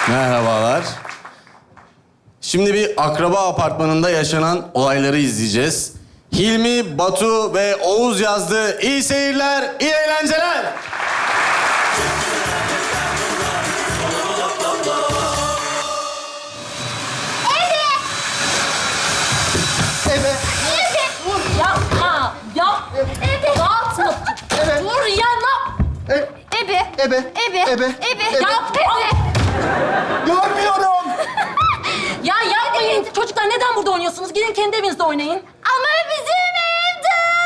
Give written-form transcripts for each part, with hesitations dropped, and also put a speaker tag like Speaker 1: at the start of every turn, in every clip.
Speaker 1: Merhabalar. Şimdi bir akraba apartmanında yaşanan olayları izleyeceğiz. Hilmi, Batu ve Oğuz yazdı. İyi seyirler, iyi eğlenceler.
Speaker 2: Ebe.
Speaker 3: Yapma. Ya. Dağıtma.
Speaker 2: Evet.
Speaker 3: Dur ya ne?
Speaker 2: Ebe. Ebe.
Speaker 3: Ya.
Speaker 2: Görmüyorum.
Speaker 3: Ya yapmayın. Çocuklar neden burada oynuyorsunuz? Gidin kendi evinizde oynayın. Ama bizim ev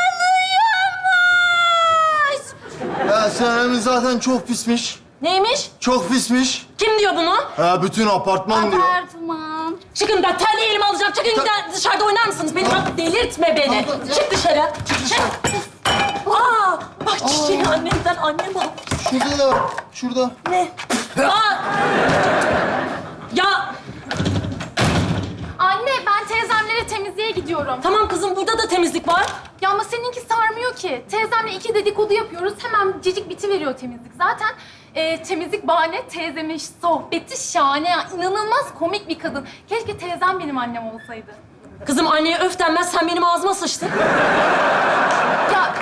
Speaker 3: dağılıyormuş.
Speaker 2: Ya senin zaten çok pismiş.
Speaker 3: Neymiş?
Speaker 2: Çok pismiş.
Speaker 3: Kim diyor bunu?
Speaker 2: Ha bütün apartman diyor.
Speaker 3: Apartman. Çıkın ben terliği elime alacağım. Çıkın giden dışarıda oynar mısınız? Beni bak delirtme beni. Çık dışarı. Çık. Aa, bak çiçeği annemden annem almış.
Speaker 2: Şurada. Şurada.
Speaker 3: Ne? Aa! Ya
Speaker 4: Anne ben teyzemlere temizliğe gidiyorum.
Speaker 3: tamam kızım burada da temizlik var.
Speaker 4: Ya ama seninki sarmıyor ki. Teyzemle 2 dedikodu yapıyoruz. Hemen cicik bitiveriyor temizlik. Zaten temizlik bahane, teyzemin sohbeti şahane. Ya, İnanılmaz komik bir kadın. Keşke teyzem benim annem olsaydı.
Speaker 3: Kızım anneye öf denmez sen benim ağzıma sıçtın.
Speaker 4: Ya...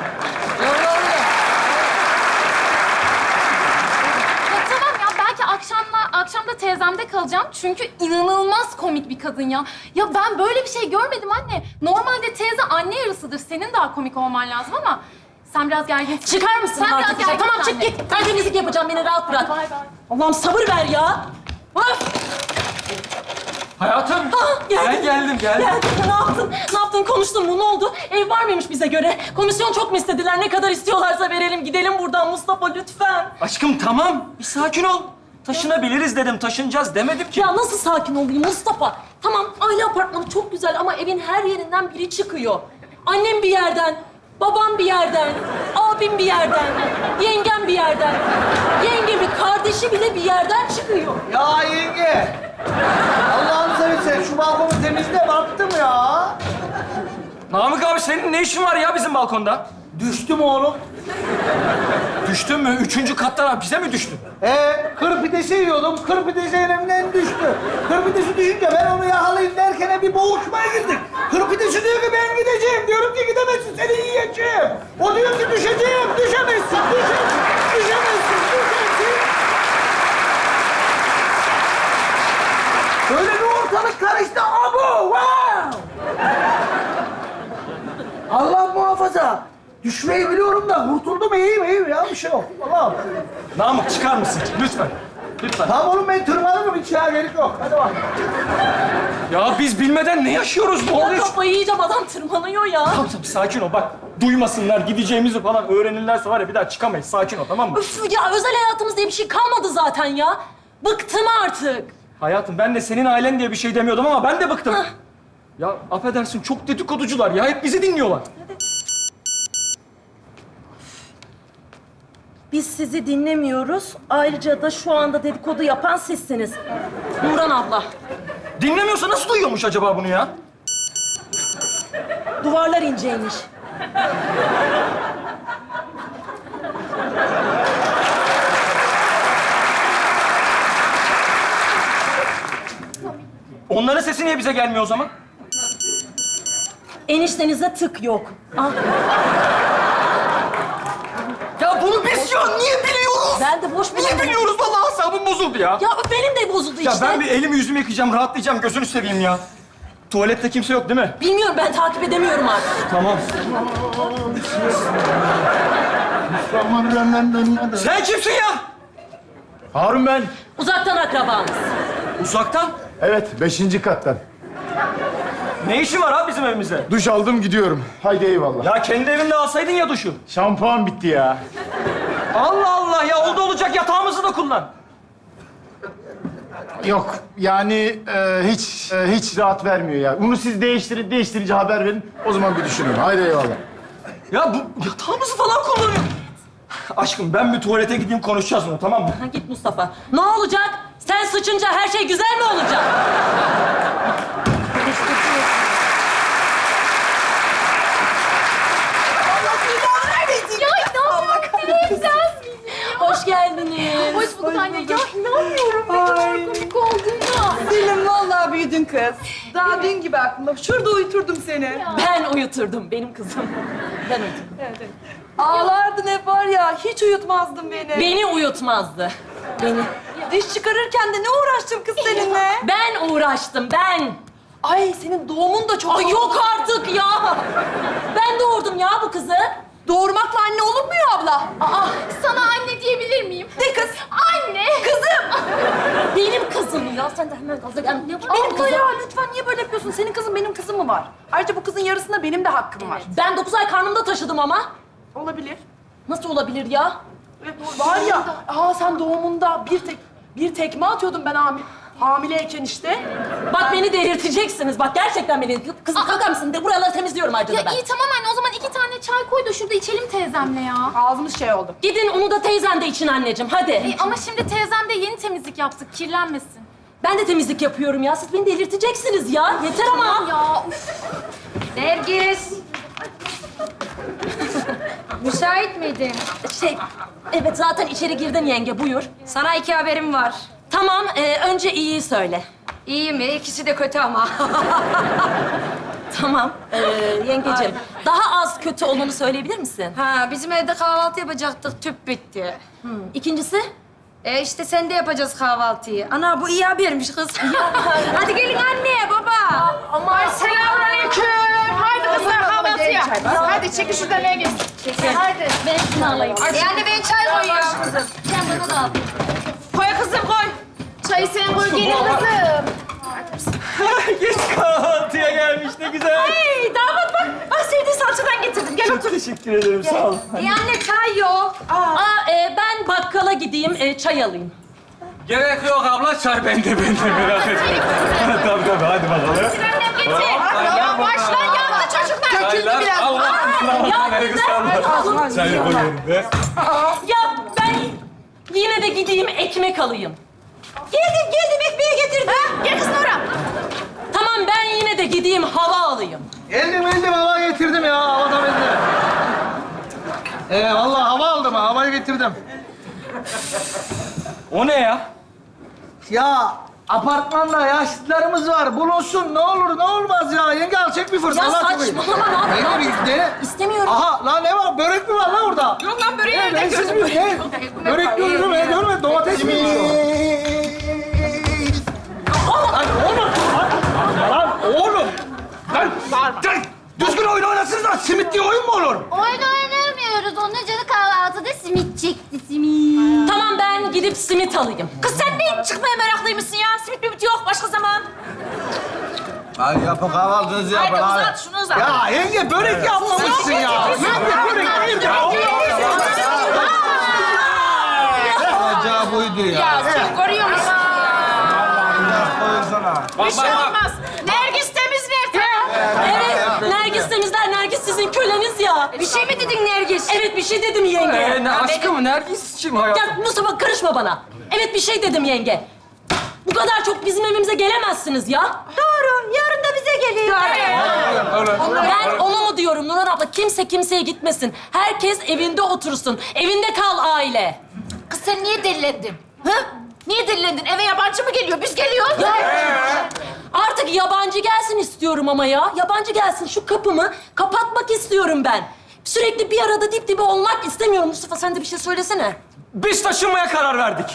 Speaker 4: Ya tamam ya belki akşam da teyzemde kalacağım. Çünkü inanılmaz komik bir kadın ya. Ya ben böyle bir şey görmedim anne. Normalde teyze anne yarısıdır. Senin daha komik olman lazım ama sen biraz gerginsin.
Speaker 3: Çıkar mısın
Speaker 4: Sen
Speaker 3: artık?
Speaker 4: biraz gerginsin
Speaker 3: Tamam çık
Speaker 4: anne.
Speaker 3: git. Ben temizlik yapacağım beni rahat bırak.
Speaker 4: Bay bay.
Speaker 3: Allah'ım sabır ver ya. Öf!
Speaker 5: Hayatım, ben geldim.
Speaker 3: Geldin. Ne yaptın? Ne yaptın? Konuştun mu? Ne oldu? Ev var mıymış bize göre? Komisyon çok mu istediler? Ne kadar istiyorlarsa verelim. Gidelim buradan Mustafa lütfen.
Speaker 5: Aşkım tamam, bir sakin ol. Taşınabiliriz dedim, taşınacağız demedim ki.
Speaker 3: Ya nasıl sakin olayım Mustafa? Tamam aile apartmanı çok güzel ama evin her yerinden biri çıkıyor. Annem bir yerden, babam bir yerden, abim bir yerden, yengem bir yerden. Yengemin kardeşi bile bir yerden çıkıyor.
Speaker 6: Ya yenge! Allah'ını seversen şu balkonu temizle baktım ya.
Speaker 5: Namık abi senin ne işin var ya bizim balkonda?
Speaker 6: Düştüm oğlum.
Speaker 5: Düştün mü? 3. kattan bize mi düştün?
Speaker 6: Kır pidesi yiyordum. Kır pidesi elimden düştü. Kır pidesi düşünce ben onu yakalayayım derken bir boğuşmaya girdik. Kır pidesi diyor ki ben gideceğim. Diyorum ki gidemezsin, seni yiyeceğim. O diyor ki düşeceğim. Düşemezsin, düşemezsin. Böyle bir ortalık karıştı. Abo! Wow! Allah muhafaza. Düşmeyi biliyorum da kurtuldum iyiyim ya bir şey yok. Allah'ım.
Speaker 5: Namık çıkar mısın? Lütfen. Lütfen.
Speaker 6: Tamam oğlum ben tırmanırım hiç ya gerek yok. Hadi bak.
Speaker 5: Ya biz bilmeden ne yaşıyoruz? Ne
Speaker 3: Ya
Speaker 5: oluyor?
Speaker 3: kafayı yiyeceğim adam tırmanıyor ya.
Speaker 5: Tamam tamam sakin ol bak. Duymasınlar, gideceğimizi falan öğrenirlerse var ya bir daha çıkamayız. Sakin ol tamam mı?
Speaker 3: Üf ya özel hayatımız diye bir şey kalmadı zaten ya. Bıktım artık.
Speaker 5: Hayatım ben de senin ailen diye bir şey demiyordum ama ben de bıktım. Ya affedersin çok dedikoducular ya hep bizi dinliyorlar.
Speaker 3: Biz sizi dinlemiyoruz. Ayrıca da şu anda dedikodu yapan sizsiniz. Nurhan abla.
Speaker 5: Dinlemiyorsa nasıl duyuyormuş acaba bunu ya?
Speaker 3: Duvarlar inceymiş.
Speaker 5: Onların sesi niye bize gelmiyor o zaman?
Speaker 3: Eniştenizde tık yok. Ah,
Speaker 5: Ya bunu biz ya niye biliyoruz?
Speaker 3: ben de boş
Speaker 5: Niye biliyoruz? Vallahi asabım bozuldu ya.
Speaker 3: Ya benim de bozuldu
Speaker 5: Ya
Speaker 3: işte.
Speaker 5: ben bir elimi yüzümü yıkayacağım, rahatlayacağım. Gözünü seveyim ya. Tuvalette kimse yok değil mi?
Speaker 3: Bilmiyorum ben takip edemiyorum artık.
Speaker 5: Tamam. Sen kimsin ya?
Speaker 2: Harun ben.
Speaker 3: Uzaktan akrabanız.
Speaker 5: Uzaktan.
Speaker 2: Evet 5. kattan.
Speaker 5: Ne işin var abi bizim evimizde?
Speaker 2: Duş aldım gidiyorum. Haydi eyvallah.
Speaker 5: Ya kendi evinde alsaydın ya duşu.
Speaker 2: Şampuan bitti ya.
Speaker 5: Allah Allah ya oldu olacak yatağımızı da kullan.
Speaker 2: Yok yani hiç rahat vermiyor ya. Bunu siz değiştirince haber verin. O zaman bir düşünün. Haydi eyvallah.
Speaker 5: Ya bu yatağımızı falan kullanıyor. Aşkım ben bir tuvalete gideyim konuşacağız bunu tamam mı?
Speaker 3: Ha, git Mustafa. Ne olacak? Sen sıçınca her şey güzel mi olacak?
Speaker 4: Ya inanmıyorum teyzem.
Speaker 3: Hoş geldiniz.
Speaker 4: Hoş bulduk anne. Ya inanmıyorum ne kadar komik
Speaker 7: Selim vallahi büyüdün kız. Daha dün gibi aklımda. Şurada uyuturdum seni.
Speaker 3: Ben uyuturdum benim kızım. Ben uyuturdum.
Speaker 7: Ağlardın hep var ya, hiç uyutmazdın beni.
Speaker 3: Beni uyutmazdı. Beni.
Speaker 7: Diş çıkarırken de ne uğraştım kız seninle?
Speaker 3: Ben uğraştım, ben.
Speaker 7: Ay senin doğumun da çok...
Speaker 3: Ay yok artık ya. Ben doğurdum ya bu kızı.
Speaker 7: Doğurmakla anne olunmuyor abla.
Speaker 4: Aa, sana anne diyebilir miyim?
Speaker 7: Ne kız?
Speaker 4: Anne!
Speaker 7: Kızım!
Speaker 3: Benim kızım ya. Sen de hemen gaza gel. Benim
Speaker 7: Abla
Speaker 3: kızım.
Speaker 7: ya lütfen niye böyle yapıyorsun? Senin kızın benim kızım mı var? Ayrıca bu kızın yarısında benim de hakkım var.
Speaker 3: Ben 9 ay karnımda taşıdım ama.
Speaker 7: Olabilir.
Speaker 3: Nasıl olabilir ya?
Speaker 7: Var ya, sen doğumunda bir tekme atıyordum ben hamileyken işte.
Speaker 3: Bak beni delirteceksiniz. Bak gerçekten beni. Kızım kalkar mısın? De buraları temizliyorum ayrıca
Speaker 4: Ya
Speaker 3: da ben.
Speaker 4: iyi tamam anne o zaman 2 tane çay koy da şurada içelim teyzemle ya.
Speaker 7: Ağzımız şey oldu.
Speaker 3: Gidin onu da teyzen de için anneciğim. Hadi.
Speaker 4: Ama şimdi teyzem de yeni temizlik yaptık kirlenmesin.
Speaker 3: Ben de temizlik yapıyorum ya. Siz beni delirteceksiniz ya. Yeter ama.
Speaker 4: Ya uf.
Speaker 8: Nergis. Müsait miydin?
Speaker 3: Evet zaten içeri girdin yenge. Buyur.
Speaker 8: Sana 2 haberim var.
Speaker 3: Tamam. Önce iyiyi söyle.
Speaker 8: İyi mi? İkisi de kötü ama.
Speaker 3: Tamam. Yengeciğim. Daha az kötü olanı söyleyebilir misin?
Speaker 8: Ha, bizim evde kahvaltı yapacaktık. Tüp bitti.
Speaker 3: İkincisi?
Speaker 8: İşte sen de yapacağız kahvaltıyı. Ana bu iyi habermiş kız. Hadi gelin anne, baba.
Speaker 7: Ay selamünaleyküm. Haydi kızlar kahvaltıya. Hadi çekin şuradan Nergis.
Speaker 8: Hadi.
Speaker 3: Ben şunu alayım.
Speaker 8: Yani ben çay koyuyorum.
Speaker 3: Sen bana da al.
Speaker 7: Koy kızım koy.
Speaker 4: Çayı sen koy gelin kızım.
Speaker 5: Geç kahvaltıya gelmiş ne güzel.
Speaker 7: Hey damat bak. Bak sevdiğin salçadan getirdim. Gel
Speaker 5: Çok
Speaker 7: otur.
Speaker 5: teşekkür ederim sağ ol.
Speaker 8: Anne çay yok.
Speaker 3: Ben bakkala gideyim, çay alayım.
Speaker 5: Gerek yok abla çay bende merak etme. tabii hadi bakalım.
Speaker 4: Annem getir. Ya başla yandı çocuklar.
Speaker 5: Çaylar Allah Çayı koyuyorum be.
Speaker 3: Ya ben yine de gideyim ekmek alayım. Geldim ekmeği getirdim.
Speaker 7: Gel kız Nora.
Speaker 3: Tamam ben yine de gideyim hava alayım.
Speaker 6: Geldim hava getirdim ya. Hava da bende. Vallahi hava aldım ha. Havayı getirdim.
Speaker 5: O ne ya?
Speaker 6: Ya apartmanda yaşlılarımız var. Bulunsun ne olur ne olmaz ya. Yenge al çek bir fırsat.
Speaker 3: Ya
Speaker 6: Allah aşkına.
Speaker 3: saçmalama ne yapıyorsun?
Speaker 6: Yenge bir dene.
Speaker 3: İstemiyorum.
Speaker 6: Aha lan ne var? Börek mi var lan orada?
Speaker 7: Yok lan böreği
Speaker 6: Ben
Speaker 7: nereden
Speaker 6: siz
Speaker 7: gördün?
Speaker 6: mi? Ne? Börek gördüm ben görmedim. Domates mi o? Lan oğlum. Lan oğlum. Lan düzgün oyun oynasınız lan. Simit diye oyun mu olur?
Speaker 4: Oyun oynamıyoruz. Onun canı kahvaltıda simit çekti simit.
Speaker 3: Tamam ben gidip simit alayım.
Speaker 7: Kız sen ne çıkmaya meraklıymışsın ya? Simit mimit yok başka zaman.
Speaker 6: Hadi yapın kahvaltınızı yapın.
Speaker 7: Haydi uzat şunu uzat.
Speaker 6: Ya yenge börek yapmamışsın ya. Yenge börek değil ya. Olacağı buydu ya.
Speaker 7: Ya sen görüyor musun? Bir şey olmaz. Nergis temizler tamam.
Speaker 3: Evet Nergis temizler. Nergis sizin köleniz ya.
Speaker 8: Bir şey mi dedin Nergis?
Speaker 3: Evet bir şey dedim yenge.
Speaker 5: Ne aşkım Nergis'ciğim hayatım.
Speaker 3: Ya Mustafa karışma bana. Evet bir şey dedim yenge. Bu kadar çok bizim evimize gelemezsiniz ya.
Speaker 8: Doğru. Yarın da bize geliyor.
Speaker 3: Ben onu mu diyorum Nurhan abla? Kimse kimseye gitmesin. Herkes evinde otursun. Evinde kal aile.
Speaker 7: Kız sen niye delilendin? Hı? Niye delilendin? Eve yabancı mı geliyor? Biz geliyoruz.
Speaker 3: Ya, artık yabancı gelsin istiyorum ama ya. Yabancı gelsin. Şu kapımı kapatmak istiyorum ben. Sürekli bir arada dip dibe olmak istemiyorum. Mustafa sen de bir şey söylesene.
Speaker 5: Biz taşınmaya karar verdik.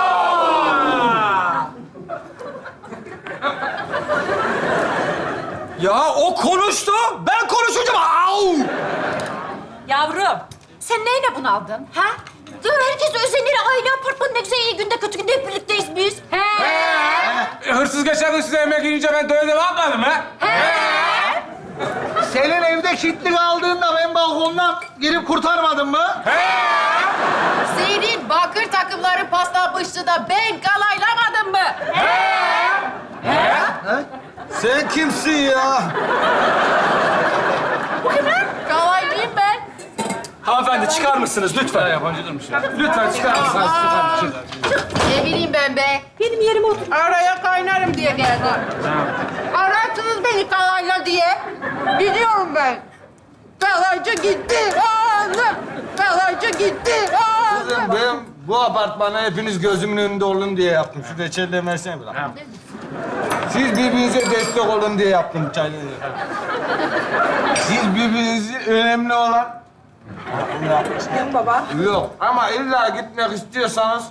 Speaker 5: Ya o konuştu, ben konuşacağım. Au!
Speaker 7: Yavrum, sen neyle bunaldın? Ha? Ya herkes özenir. Aile apartmanı ne güzel iyi günde kötü günde hep birlikteyiz biz.
Speaker 5: Hırsız geçen gün size yemek yiyince ben de öyle yapmadım ha?
Speaker 6: Senin evde kilitli kaldığında ben balkondan girip kurtarmadın mı?
Speaker 7: Senin bakır takımları paslanmıştı da ben kalaylamadım mı?
Speaker 6: Sen kimsin ya?
Speaker 7: Kalaylıyım ben.
Speaker 5: Hanımefendi çıkar mısınız lütfen? Yabancı durmuş ya. Lütfen çıkar mısınız?
Speaker 7: Ne bileyim ben be. Benim yerime otur. Araya kaynarım diye geldim. Ararsınız beni kalayla diye. Gidiyorum ben. Kalaycı gitti. Ağzım. Kalaycı gitti. Ağzım.
Speaker 6: Ben bu apartmana hepiniz gözümün önünde olun diye yaptım. Şu reçelleri versene bir dakika. Siz birbirinize destek olun diye yaptım çayları. Siz birbirinizi önemli olan...
Speaker 8: Baba.
Speaker 6: Yok ama illa gitmek istiyorsanız...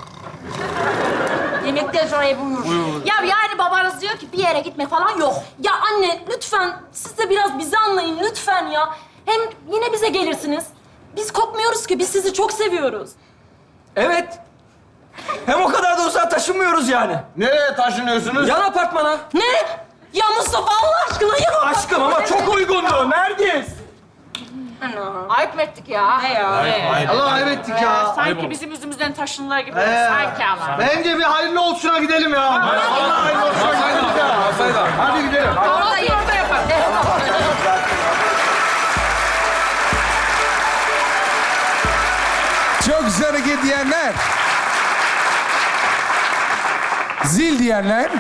Speaker 8: Yemekten sonra buyur.
Speaker 3: Ya yani babanız diyor ki bir yere gitme falan yok. Ya anne lütfen siz de biraz bizi anlayın lütfen ya. Hem yine bize gelirsiniz. Biz kopmuyoruz ki biz sizi çok seviyoruz.
Speaker 5: Evet. Hem o kadar da uzağa taşınmıyoruz yani.
Speaker 6: Nereye taşınıyorsunuz?
Speaker 5: Yan apartmana.
Speaker 3: Ne? Ya Mustafa Allah aşkına ya.
Speaker 5: Aşkım ama çok uygundu. Nergis.
Speaker 7: Ayıp ettik ya.
Speaker 8: Ne ya?
Speaker 6: Allah ayıp ettik ya.
Speaker 7: Sanki bizim yüzümüzden taşınırlar gibi.
Speaker 6: Ee,
Speaker 7: Sanki ama.
Speaker 6: Bence bir hayırlı olsuna gidelim ya. Allah hayırlı olsuna gidelim ya. Hadi gidelim.
Speaker 7: Kahvaltıyı orada yapalım.
Speaker 9: Çok güzel hareket diyenler. Zil diyenler.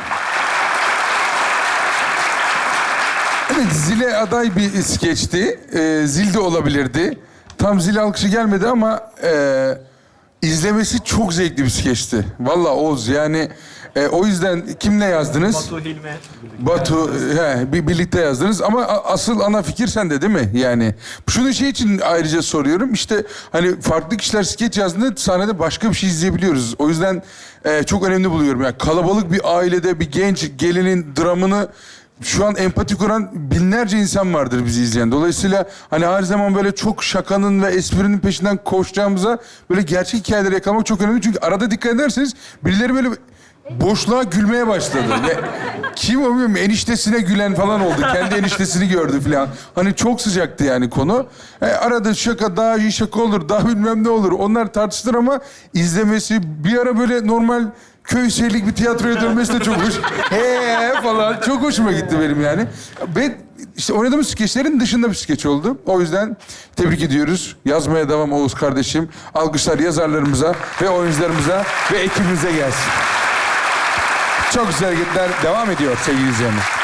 Speaker 9: Evet, zile aday bir skeçti. Zil de olabilirdi. Tam zil alkışı gelmedi ama izlemesi çok zevkli bir skeçti. Vallahi Oğuz yani o yüzden kimle yazdınız?
Speaker 5: Batu, Hilmi.
Speaker 9: Batu, birlikte yazdınız ama asıl ana fikir sende değil mi? Yani şunu şey için ayrıca soruyorum. İşte hani farklı kişiler skeç yazdığında sahnede başka bir şey izleyebiliyoruz. O yüzden çok önemli buluyorum. Yani kalabalık bir ailede bir genç gelinin dramını şu an empati kuran binlerce insan vardır bizi izleyen. Dolayısıyla hani her zaman böyle çok şakanın ve esprinin peşinden koşacağımıza böyle gerçek hikayeleri yakalamak çok önemli. Çünkü arada dikkat ederseniz birileri böyle boşluğa gülmeye başladı. Ve kim o bilmiyorum eniştesine gülen falan oldu. Kendi eniştesini gördü falan. Hani çok sıcaktı yani konu. Arada şaka daha iyi şaka olur, daha bilmem ne olur. Onlar tartışılır ama izlemesi bir ara böyle normal köy seyirlik bir tiyatroya dönmesi de çok hoş. Falan çok hoşuma gitti benim yani. Ben işte oynadığımız skeçlerin dışında bir skeç oldu. O yüzden tebrik ediyoruz. Yazmaya devam Oğuz kardeşim. Alkışlar yazarlarımıza ve oyuncularımıza ve ekibimize gelsin. Çok güzel hareketler devam ediyor sevgili izleyenler.